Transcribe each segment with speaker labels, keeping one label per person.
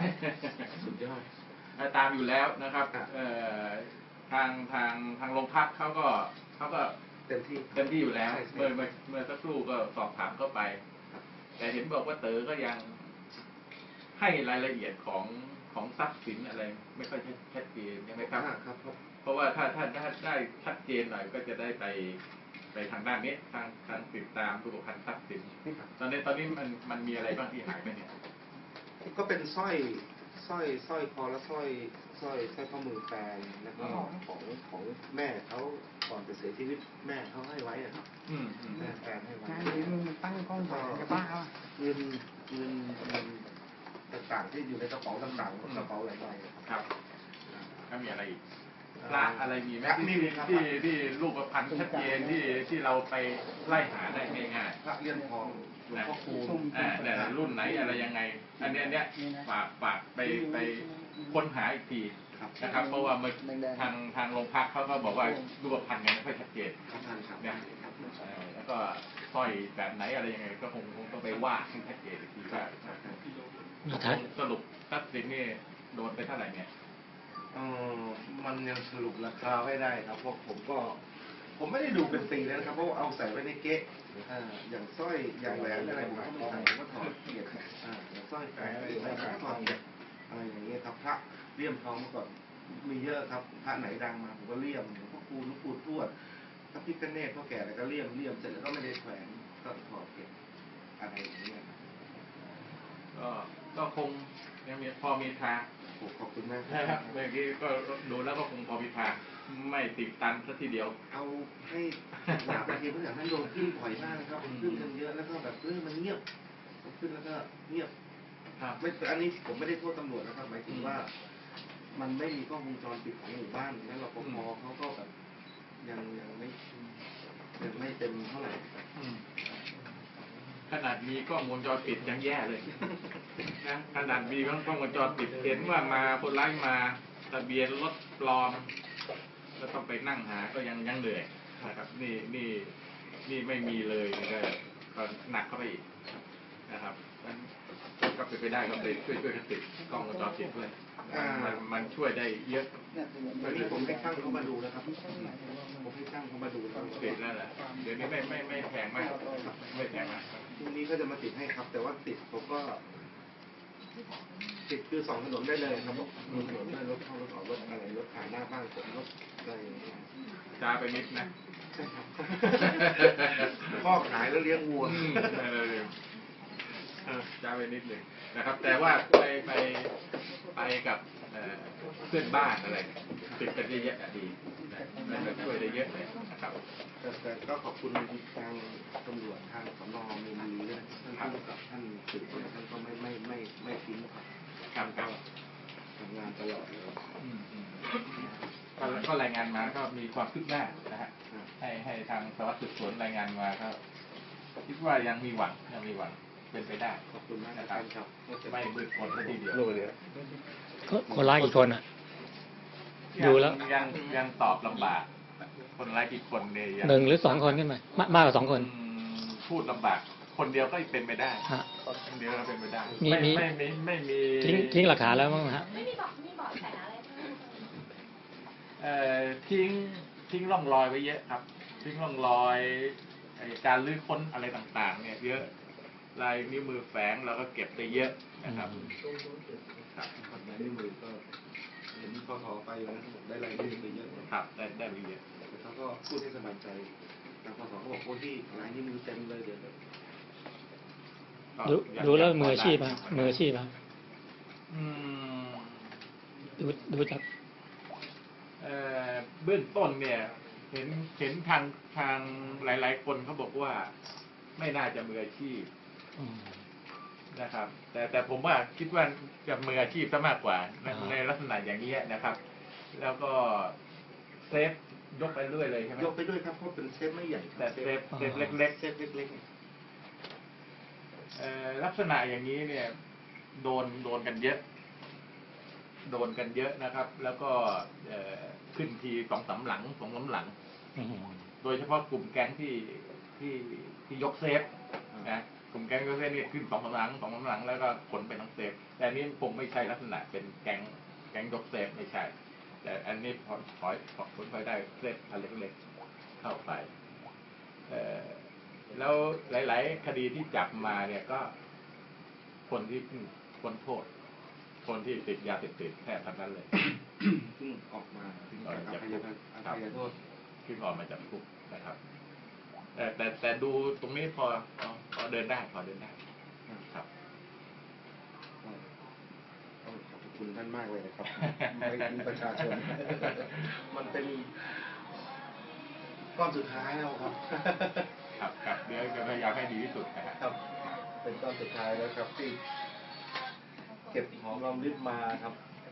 Speaker 1: สุดยอด
Speaker 2: ตามอยู่แล้วนะครับทางโรงพักเขาก็
Speaker 1: เต็มที่
Speaker 2: อยู่แล้วเมื่อสักครู่ก็สอบถามเข้าไปแต่เห็นบอกว่าเต๋อก็ยังให้รายละเอียดของทรัพย์สินอะไรไม่ค่อยชัดเจนใช่ไหมครับเพราะว่าถ้าได้ชัดเจนหน่อยก็จะได้ไปทางด้านนี้ทางติดตามรูปพรรณทรัพย์สินตอนนี้มันมีอะไรบ้างที่หายไปเนี่ย
Speaker 1: ก็เป็นสร้อยคอและสร้อยข้อมือแฟนแล้วก็ของแม่เขาก่อนจะเสียชีวิตแม่เขาให้ไว้ครับแม่แฟนให้ไว้
Speaker 3: ตั้งกล้องถ่ายกับป้า
Speaker 1: เงินต่างๆที่อยู่ในกระเป๋าต่างๆกระเป๋าหลายใบ
Speaker 2: ครับถ้ามีอะไรอีกพระอะไรมีไหมที่รูปพรรณชัดเจนที่เราไปไล่หาได้ง่าย
Speaker 1: ๆพระเลี่ยมทองหลวงพ่อคูณ
Speaker 2: เนี่ยรุ่นไหนอะไรยังไงอันนี้ฝากไปค้นหาอีกทีนะครับเพราะว่าทางโรงพักเขาก็บอกว่ารูปพรรณยังไม่ค่อยชัดเจนเนี่ยแล้วก็สร้อยแบบไหนอะไรยังไงก็คงต้องไปว่าให้ชัดเจนอีกทีว่าสรุปทรัพย์สินนี่โดนไปเท่าไหร่เนี่ย
Speaker 1: มันยังสรุปราคาไม่ได้ครับเพราะผมไม่ได้ดูเป็นปีแล้วนะครับเพราะเอาใส่ไว้ในเก๊ะอย่างสร้อยอย่างแหวนอะไรผมก็ไม่ใส่ผมก็ถอดเกียรติอย่างสร้อยแหวนอะไรก็ถอดเกียรติอะไรอย่างเงี้ยครับพระเลี่ยมทองเมื่อก่อนมีเยอะครับพระไหนดังมาผมก็เลี่ยมหลวงพ่อคูณหลวงปู่ทวดพระพิฆเนศพ่อแก่อะไรก็เลี่ยมเสร็จแล้วก็ไม่ได้แขวนก็ถอดเก็บอะไรอย่างเงี้ย
Speaker 2: ก็คงยังมีพอมีทาง
Speaker 1: ขอบคุณมาก
Speaker 2: ครับเมื่อกี้ก็ดูแล้วก็คงพอมีทางไม่ติดตันซะทีเดียว
Speaker 1: เอาให้หนาไปทีเพื่อให้โดนขึ้นปล่อยมากนะครับขึ้นกันเยอะแล้วก็แบบมันเงียบขึ้นแล้วก็เงียบไม่อันนี้ผมไม่ได้โทษตำรวจนะครับหมายถึงว่ามันไม่มีกล้องวงจรปิดของหมู่บ้านแล้วรปภเขาก็แบบยังไม่เต็มเท่าไหร่
Speaker 2: ขนาดมีกล้องวงจรปิดยังแย่เลยนะขนาดมีกล้องวงจรปิดเห็นว่ามาคนร้ายมาทะเบียนรถปลอมก็ต้องไปนั่งหาก็ยังเหนื่อยนะครับนี่ไม่มีเลยก็หนักเข้าไปอีกนะครับนั้นก็เป็นไปได้ก็ไปช่วยกันติดกล้องวงจรปิดด้วยมันช่วยได้เยอะ
Speaker 1: ตอนนี้ผมให้ช่างเขามาดูแล้วครับผมให้ช่างเขามาดูแล้ว
Speaker 2: ติดแล้วแหละเดี๋ยวนี้ไม่แพงมากไม่แพงมาก
Speaker 1: พรุ่งนี้ก็จะมาติดให้ครับแต่ว่าติดผมก็ติดคือ2 ถนนได้เลยครับมีถนนได้รถเข้ารถออกรถอะไรรถผ่านหน้าบ้านผมรถอะไร
Speaker 2: จ้าไปนิดนะ
Speaker 1: ใช่ครับพ่อขายแล้วเลี้ยงวัว
Speaker 2: จ้าไปนิดหนึ่งนะครับแต่ว่าไปกับเพื่อนบ้านอะไรติดกันเยอะๆดีมันช่วยได้เยอะเลยนะครับ
Speaker 1: แต่ก็ขอบคุณทางตำรวจทางสน.มีด้วยท่านผู้กับท่านสืบท่านก็ไม่ทิ้ง
Speaker 2: ครับ
Speaker 1: ทำงานตลอดเลย
Speaker 2: ก็รายงานมาก็มีความคืบหน้านะฮะให้ทางสารวัตรสืบสวนรายงานมาก็คิดว่ายังมีหวังเป็นไปได้
Speaker 1: ขอบคุณมาก
Speaker 2: นะครับไม่มืดมนทีเดียว
Speaker 3: คนร้ายกี่คนอ่ะดูแล้ว
Speaker 2: ยังตอบลำบากคนร้ายกี่คนเนี่ย
Speaker 3: 1 หรือ 2 คนขึ้นมามากกว่า2 คน
Speaker 2: พูดลำบากคนเดียวก็เป็นไปได้คนเดียวก็เป็นไปได้ไม่มี
Speaker 3: ทิ้งหลักฐานแล้วมั้งฮะ
Speaker 4: ไม่มีบอกแสอะไร
Speaker 2: ทิ้งร่องรอยไว้เยอะครับทิ้งร่องรอยการลื้อค้นอะไรต่างๆเนี่ยเยอะลายนิ้วมือแฝงเราก็เก็บได้เยอะนะครับ
Speaker 1: ลายนิ้วมือก็เห็นพอไปแล้วได้ลายนิ้วมือเยอะ
Speaker 2: ครับได้เยอะ
Speaker 1: แต่เขาก็พูดให้สบายใจทางพศเขาบอกคนที่ลายนิ้วมือเต็มเลยเดี๋ยว
Speaker 3: ดูแล้วมืออาชีพครับดูจาก
Speaker 2: เบื้องต้นเนี่ยเห็นทางหลายๆคนเขาบอกว่าไม่น่าจะมืออาชีพนะครับแต่ผมว่าคิดว่าจะมืออาชีพซะมากกว่าในลักษณะอย่างนี้นะครับแล้วก็เซฟยกไปเรื่อยเลยใช่ไหม
Speaker 1: ยกไปด้วยครับเพราะเป็นเซฟไม่ใหญ่
Speaker 2: แต่เซฟเล็กลักษณะอย่างนี้เนี่ยโดนกันเยอะนะครับแล้วก็ขึ้นที2-3 หลังโดยเฉพาะกลุ่มแก๊งที่ยกเซฟนะกลุ่มแก๊งยกเซฟนี่ขึ้น2 กำลังแล้วก็ขนไปทั้งเซฟแต่อันนี้คงไม่ใช่ลักษณะเป็นแก๊งยกเซฟไม่ใช่ แต่อันนี้พอผลพลอยได้เซฟอันเล็กๆเข้าไปแล้วหลายๆคดีที่จับมาเนี่ยก็คนที่เพิ่งพ้นโทษคนที่ติดยาเสพติดแทบทั้งนั้นเลย
Speaker 1: ซึ่งออกมา
Speaker 2: ซึ่งออกมาจาก
Speaker 1: อ
Speaker 2: คุก
Speaker 1: ภัยโทษ
Speaker 2: ขึ้นออกมาจากคุกนะครับแต่ดูตรงนี้พอเดินได้พอเดินได้ครับ
Speaker 1: ขอบคุณท่านมากเลยนะครับ ไม่มีประชาชน มันเป็นก้อนสุดท้ายแล้วครับ
Speaker 2: ครับเดี๋ยวจะพยายามให้ดีที่สุดนะครับ
Speaker 1: ครับ เป็นก้อนสุดท้ายแล้วครับที่เก็บหอมรอมริบมาครับ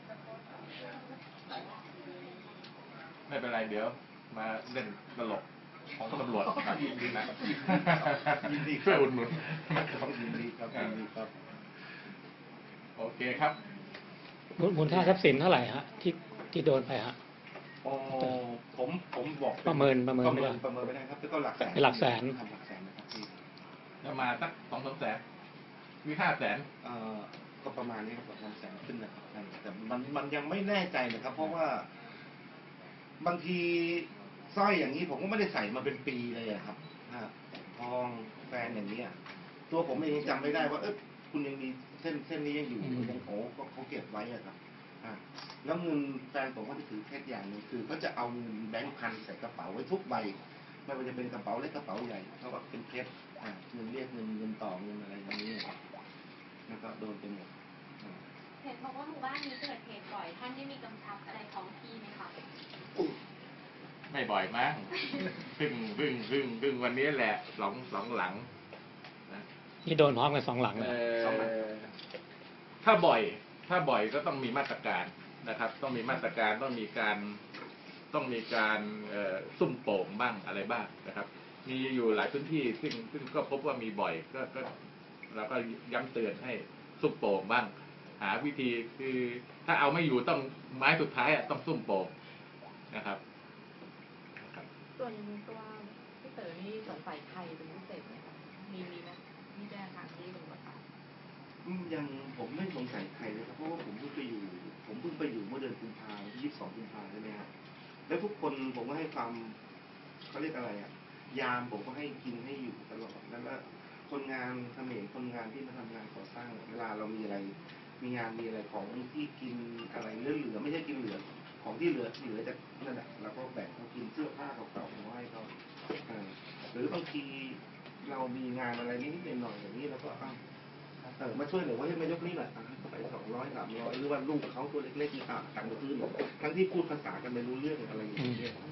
Speaker 2: ไม่เป็นไรเดี๋ยวมาเล่นตลกของตำรวจครับ
Speaker 1: ยินดีนะ ยินดีครับ
Speaker 2: ช่วยอุดหนุน
Speaker 1: ยินดีครับยินดีครับ
Speaker 2: โอเคครับ
Speaker 3: มูลค่าทรัพย์สินเท่าไหร่ฮะที่โดนไปฮะ
Speaker 1: อ๋อผมบอก
Speaker 3: ประเมินไม่ได้
Speaker 1: ประเมินไม่ได้ครับแต่ก็หลักแสน
Speaker 3: เป็นหลักแสน
Speaker 1: ครับหลักแสนนะครับพี่
Speaker 2: จะมาสัก2-3 แสนมี500,000
Speaker 1: ก็ประมาณนี้ครับประมาณแสนขึ้นนะครับแต่มันยังไม่แน่ใจนะครับ เพราะว่าบางทีสร้อยอย่างนี้ผมก็ไม่ได้ใส่มาเป็นปีเลยอะครับทองแฟนอย่างนี้อะตัวผมเองยังจำไม่ได้ว่าคุณยังมีเส้นนี้ยังอยู่ยังก็เขาเก็บไว้อะครับแล้วเงินแฟนผมก็จะถือแค่อย่างหนึงคือเขาจะเอาเงินแบงค์พันใส่กระเป๋าไว้ทุกใบไม่ว่าจะเป็นกระเป๋าเล็กกระเป๋าใหญ่เขาว่าเป็นเพชรเงินเรียกเงินต่อเงินอะไรอย่างนี้ครับแล้วก็โดนไปหมด
Speaker 4: เห็นบอกว่าหมู่บ้านนี้เกิดเหตุบ่อยท่านได้มีกำชับอะไรท้องที่ไหมคะ
Speaker 2: ไม่บ่อยมั้งเพิ่งวันนี้แหละสองหลังนะ
Speaker 3: นี่โดนพร้อมกัน2 หลังเลย
Speaker 2: ถ้าบ่อยก็ต้องมีมาตรการนะครับ ต้องมีมาตรการต้องมีการซุ่มโป่งบ้างอะไรบ้างนะครับ มีอยู่หลายพื้นที่ซึ่งก็พบว่ามีบ่อยก็เราก็ย้ำเตือนให้ซุ่มโป่งบ้าง หาวิธีคือถ้าเอาไม่อยู่ต้องไม้สุดท้ายต้องซุ่มโป่งนะครับ
Speaker 5: ส่วนตัวพี่เต๋อนี่สงสัยใครเป็นพิเศษไหมคะมีนะมีแจ้งทางที่ตำรวจค่ะ
Speaker 1: ยังผมไม่สงสัยใครเลยครับเพราะว่าผมเพิ่งไปอยู่เมื่อเดือนกุมภาพันธ์ที่22 กุมภาพันธ์ใช่ไหมครับแล้วทุกคนผมก็ให้ความเขาเรียกอะไรยามผมก็ให้กินให้อยู่ตลอดแล้วก็คนงานเขมรคนงานที่มาทำงานก่อสร้างเวลาเรามีอะไรมีงานมีอะไรของที่กินอะไรเหลือไม่ใช่กินเหลือของที่เหลือจากนั่นแหละเราก็แบ่งเขากินเสื้อผ้าเก่าๆมาให้เขาหรือบางทีเรามีงานอะไรนิดๆหน่อยๆอย่างนี้เราก็มาช่วยหน่อยว่าให้มายกนี่หน่อยไป200 300หรือว่าลูกเขาตัวเล็กๆนี่ตังค์มาซื้อหน่อยทั้งที่พูดภาษากันไม่รู้เรื่องอะไรอย่างเงี้ย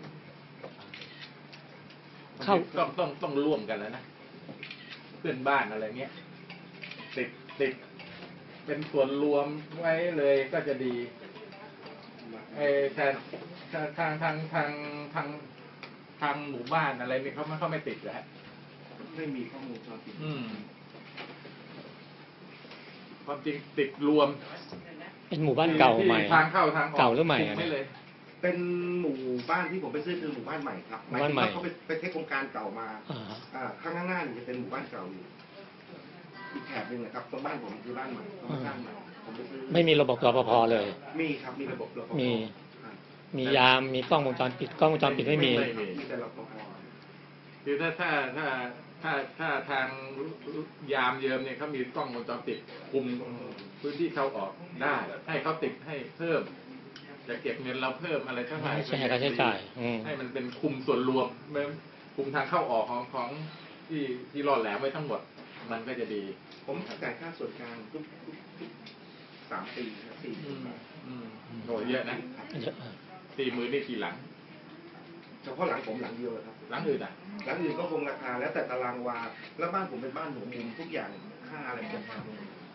Speaker 2: ต้องร่วมกันแล้วนะเพื่อนบ้านอะไรเงี้ยติดเป็นส่วนรวมไว้เลยก็จะดีแต่ทางหมู่บ้านอะไรนี่เขาไม่ติดแล้ว
Speaker 1: ไม่มีข้อมูลจอติด
Speaker 2: ความจริงติดรวม
Speaker 3: เป็นหมู่บ้านเก่าใหม่
Speaker 2: ทางเข้าทางออก
Speaker 3: เก่าหรือใหม่
Speaker 2: ไม่เลย
Speaker 1: เป็นหมู่บ้านที่ผมไปซื้อคือหมู่บ้านใหม่ครับ
Speaker 3: หมู่บ้านใหม่
Speaker 1: เขาไปเทคโครงการเก่ามา ข้างหน้านี่จะเป็นหมู่บ้านเก่าอยู่อีกแถบหนึ่งนะครับตรงบ้านผมคือบ้านใหม่ตรงบ้านใหม่ผมไปซื้อ
Speaker 3: ไม่มีระบบรปภเลย
Speaker 1: มีครับมีระบบรปภ
Speaker 3: มียามมีกล้องวงจรปิดไม่มี
Speaker 1: มีแต่รปภ
Speaker 2: คือถ้าทางยามเยิมเนี่ยเขามีกล้องวงจรปิดคุมพื้นที่เข้าออกได้ให้เขาติดให้เพิ่มจะเก็บเงินเราเพิ่มอะไรเท่าไหร่
Speaker 3: ไม่ใช่ค่าใช้จ่าย
Speaker 2: ให้มันเป็นคุมส่วนรวมคุมทางเข้าออกของที่รอดแหลมไว้ทั้งหมดมันก็จะดี
Speaker 1: ผมจ่ายค่าส่วนกลางทุก3 ปีครับ4 ปี
Speaker 2: โอ้เยอะนะ
Speaker 3: เยอะ
Speaker 2: 40,000นี่กี่หลัง
Speaker 1: เฉพาะหลังผมหลังเดียวเลยครับ
Speaker 2: หลังอื่นอ่ะ
Speaker 1: หลังอื่นก็คงราคาแล้วแต่ตารางวาแล้วบ้านผมเป็นบ้านหัวมุมทุกอย่างค่าอะไรจะแพง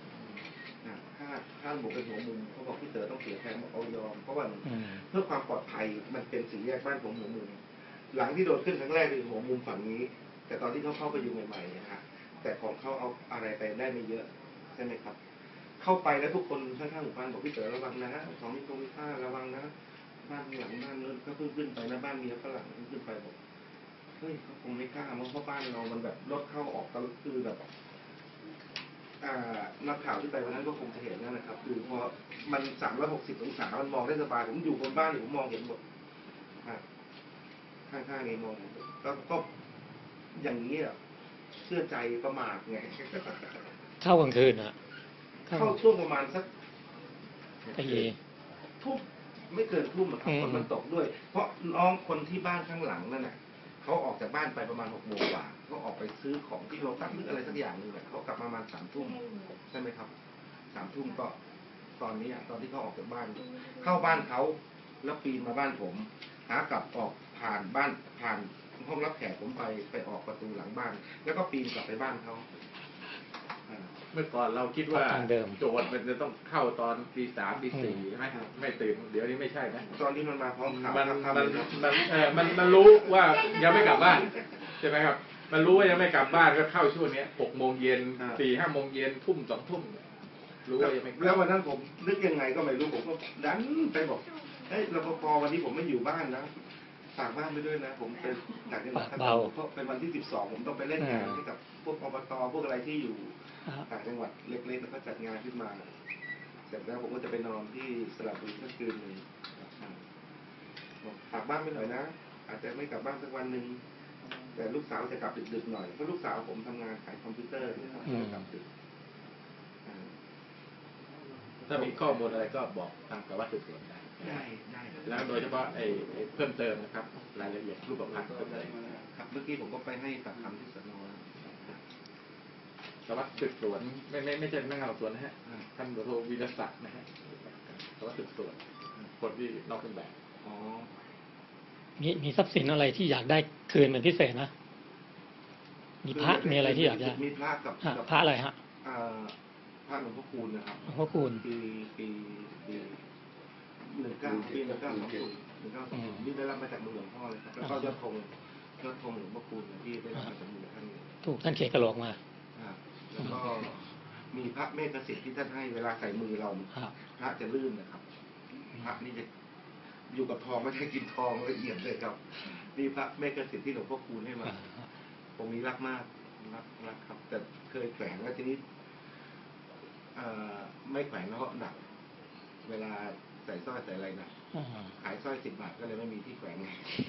Speaker 1: ค่าผมเป็นหัวมุมเขาบอกพี่เต๋อต้องเสียแพงเอายอมเพราะว่าเพื่อความปลอดภัยมันเป็นสี่แยกบ้านผมหัวมุมหลังที่โดนขึ้นครั้งแรกคือหัวมุมฝั่งนี้ แต่ตอนที่เขาเข้าไปอยู่ใหม่ๆนะฮะแต่ของเขาเอาอะไรไปได้ไม่เยอะใช่ไหมครับ เข้าไปแล้วทุกคนข้างๆหมู่บ้านบอกพี่เต๋อระวังนะของมีโครงมีค่าระวังนะบ้านหลังบ้านนู้นก็เพิ่งขึ้นไปนะบ้านเมียฝรั่งขึ้นไปบอกเฮ้ยเขาคงไม่กล้าเพราะบ้านเรามันแบบรถเข้าออกก็คือแบบนักข่าวที่ไปวันนั้นก็คงจะเห็นนั่นนะครับคือพอมัน360 องศามันมองได้สบายผมอยู่บนบ้านผมมองเห็นหมดข้างๆนี้มองเห็นหมดก็อย่างนี้อ่ะเชื่อใจประมาทไง
Speaker 3: เข้ากลางคืนอ่ะ
Speaker 1: เข้าช่วงประมาณสัก
Speaker 3: ไอ้
Speaker 1: ทุ่มไม่เกินทุ่มอะครับฝนมันตกด้วย เพราะน้องคนที่บ้านข้างหลังนั่นน่ะเขาออกจากบ้านไปประมาณ6 โมงกว่าเขาออกไปซื้อของที่เราตั้งหรืออะไรสักอย่างหนึ่งแหละเขากลับมาประมาณ3 ทุ่มใช่ไหมครับ3 ทุ่มก็ตอนนี้ตอนที่เขาออกจากบ้าน เข้าบ้านเขาแล้วปีนมาบ้านผมหากลับออกผ่านบ้านผ่านห้องรับแขกผมไปออกประตูหลังบ้าน แล้วก็ปีนกลับไปบ้านเขา
Speaker 2: เมื่อก่อนเราคิดว่าโจทย์มันจะต้องเข้าตอนตี3 ตี 4ใช่ไหมไม่ตื่นเดี๋ยวนี้ไม่ใช่นะ
Speaker 1: ตอนนี้มันมาพร้อมข่าว
Speaker 2: มันรู้ว่ายังไม่กลับบ้านใช่ไหมครับมันรู้ว่ายังไม่กลับบ้านก็เข้าช่วงนี้6 โมงเย็น 4 5 โมงเย็นทุ่ม 2 ทุ่มรู้ว่ายังไม่
Speaker 1: แล้ววันนั้นผมนึกยังไงก็ไม่รู้ผมก็ดันไปบอกเฮ้ยรปภวันนี้ผมไม่อยู่บ้านนะฝากบ้านไปด้วยนะผมเป็นต่างจังหวัดเพราะเป็นวันที่12ผมต้องไปเล่นงานให้กับพวกอบตพวกอะไรที่อยู่ต่างจังหวัดเล็กๆแล้วก็จัดงานขึ้นมาเสร็จแล้วผมก็จะไปนอนที่สระบุรีสักคืนหนึ่งฝากบ้านไปหน่อยนะอาจจะไม่กลับบ้านสักวันหนึ่งแต่ลูกสาวจะกลับดึกๆหน่อยเพราะลูกสาวผมทำงานขายคอมพิวเตอร์นะครับจะกลับดึก
Speaker 2: ถ้ามีข้อมูลอะไรก็บอกทางสารวัตรสืบสวนได้แล้วโดยเฉพาะไอ้เพิ่มเติมนะครับรายละเอียดรูปพรรณเพิ่มเติม
Speaker 1: ครับเมื่อกี้ผมก็ไปให้ปากคำที่สน.
Speaker 2: สารวัตรสืบสวนไม่ใช่พนักงานสอบสวนนะฮะท่านโทวีรศักดิ์นะฮะสารวัตรสืบสวนคนที่นอกเครื่องแบบ
Speaker 3: มีทรัพย์สินอะไรที่อยากได้คืนเป็นพิเศษนะมีพระมีอะไรที่อยากได้
Speaker 1: มีพระกับ
Speaker 3: พระอะไรฮะ
Speaker 1: พระหลวงพ่อคูณนะครับ
Speaker 3: หลวงพ่อคูณ
Speaker 1: ปี1920นี่ได้รับมาจากมือหลวงพ่อเลยครับแล้วก็ยอดธงหลวงพ่อคูณที่ได้รับมาจากมือท่าน
Speaker 3: ถูกท่านเขกระโหลกมา
Speaker 1: แล้วก็มีพระเมฆสิทธิ์ที่ท่านให้เวลาใส่มือเราพระจะลื่นนะครับพระนี่จะอยู่กับทองไม่ได้กินทองละเอียดเลยครับนี่พระเมฆสิทธิ์ที่หลวงพ่อคูณให้มาผมนี้รักมากรักครับแต่เคยแฝงแล้วทีนี้ไม่แขวนแล้วก็หนักเวลาใส่สร้อยใส่อะไรหนักขายสร้อย10 บาทก็เลยไม่มีที่แขวนไง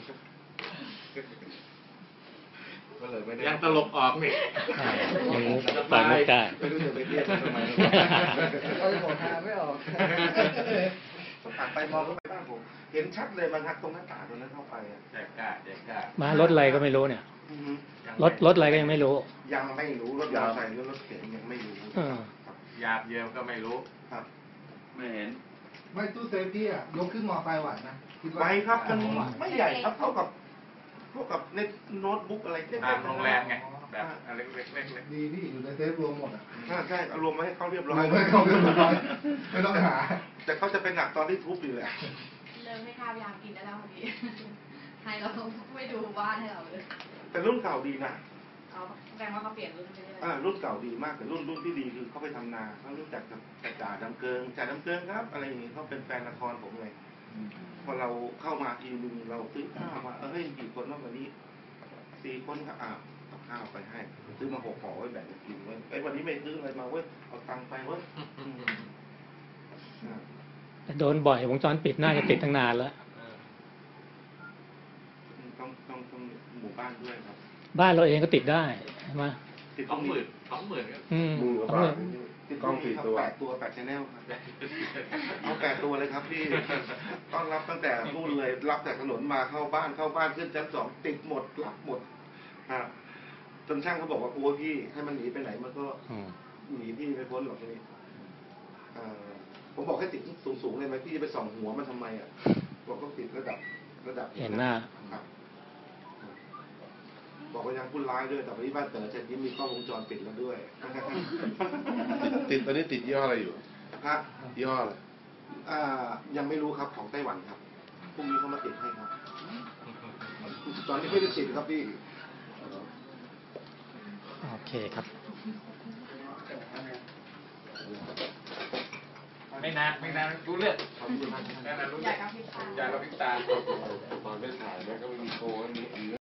Speaker 1: ก็เลยไม่ได้
Speaker 2: ยังตลกออกนี่
Speaker 3: ปล่อยไม่ได้
Speaker 1: ไม่รู้จะไปเรียกทำไมเราจะบอกทางไม่ออกผ่านไปมองเข้าไปบ้านผมเห็นชัดเลยมันหักตรงหน้าต่างตรงนั้นเข้าไป
Speaker 2: แจกกล้
Speaker 3: ามารถอะไรก็ไม่รู้เนี่ยรถอะไรก็ยังไม่รู้
Speaker 1: ยังไม่รู้รถยาวใส่หรือรถเก๋งยังไม่รู้
Speaker 2: หยาบเยิมก็ไม่รู้
Speaker 1: ครับ
Speaker 2: ไม่เห็น
Speaker 6: ไม่ตู้เซฟที่ยกขึ้นมอไซค์ไหวนะ
Speaker 1: ไหวครับมันไม่ใหญ่ครับเท่ากับในโน้ตบุ๊กอะไร
Speaker 2: โรงแรมไงแบบเล็ก
Speaker 6: ดีพี่อยู่ในเซฟรวมหมด
Speaker 1: ใช่รวมมาให้เขาเรียบร้อย
Speaker 6: ไม่ต้องหา
Speaker 1: แต่เขาจะเป็นหนักตอนที่ทุบอยู่แหละ
Speaker 5: เริ่มให้ข้าวยามกินได้แล้วพอดีให้เราไม่ดูบ้านให้เราเลย
Speaker 1: แต่รุ่นเก่าดีนะ
Speaker 5: แสดงว่าเขาเปลี่ยนรุ่นใช่ไหม
Speaker 1: รุ่นเก่าดีมากแต่รุ่นที่ดีคือเขาไปทำนาเขารู้จักกับจ่าดำเกิงครับอะไรอย่างนี้เขาเป็นแฟนละครผมเลยพอเราเข้ามาทีนึงเราซื้อข้าวมาเฮ้ยกี่คนนอกจากนี้4 คนครับเอาข้าวไปให้ซื้อมา6 ห่อไว้แบ่งกันกินไว้ไอ้วันนี้ไม่ซื้ออะไรมาเว้ยเอาตังค์ไปเว้ย
Speaker 3: โดนบ่อยวงจรปิดน่าจะติดตั้งนานแล้ว
Speaker 1: ต้องหมู่บ้านด้วยครับ
Speaker 3: บ้านเราเองก็ติดได้ใช่ไหม
Speaker 2: ติด20,000ครับ
Speaker 1: ติดกล้อง4 ตัว8 channel ครับเอา8 ตัวเลยครับพี่ต้อนรับตั้งแต่นู่นเลยรับจากถนนมาเข้าบ้านขึ้นชั้น2ติดหมดรับหมดจนช่างเขาบอกว่าโอ้พี่ให้มันหนีไปไหนมันก็หนีพี่ไม่พ้นหรอกทีนี้ผมบอกให้ติดสูงเลยไหมพี่จะไปส่องหัวมันทำไมบอกก็ติดระดับ
Speaker 3: เห็นหน้า
Speaker 1: บอกว่ายังพูดร้ายด้วยแต่วันนี้บ้านเต๋อเช่นนี้มีกล้องวงจรปิดแล้วด้วยติดตอนนี้ติดยี่ห้ออะไรอยู่ครับยี่ห้ออะไรยังไม่รู้ครับของไต้หวันครับพรุ่งนี้เขามาติดให้ครับตอนนี้ไม่ได้ติดครับพี่
Speaker 3: โอเคครับ
Speaker 2: ไม่นานรู้เรื่องรู้เรื่องอยากกับพริบตาตอนไม่ถ่ายแล้วก็ไม่มีโค้ดนี้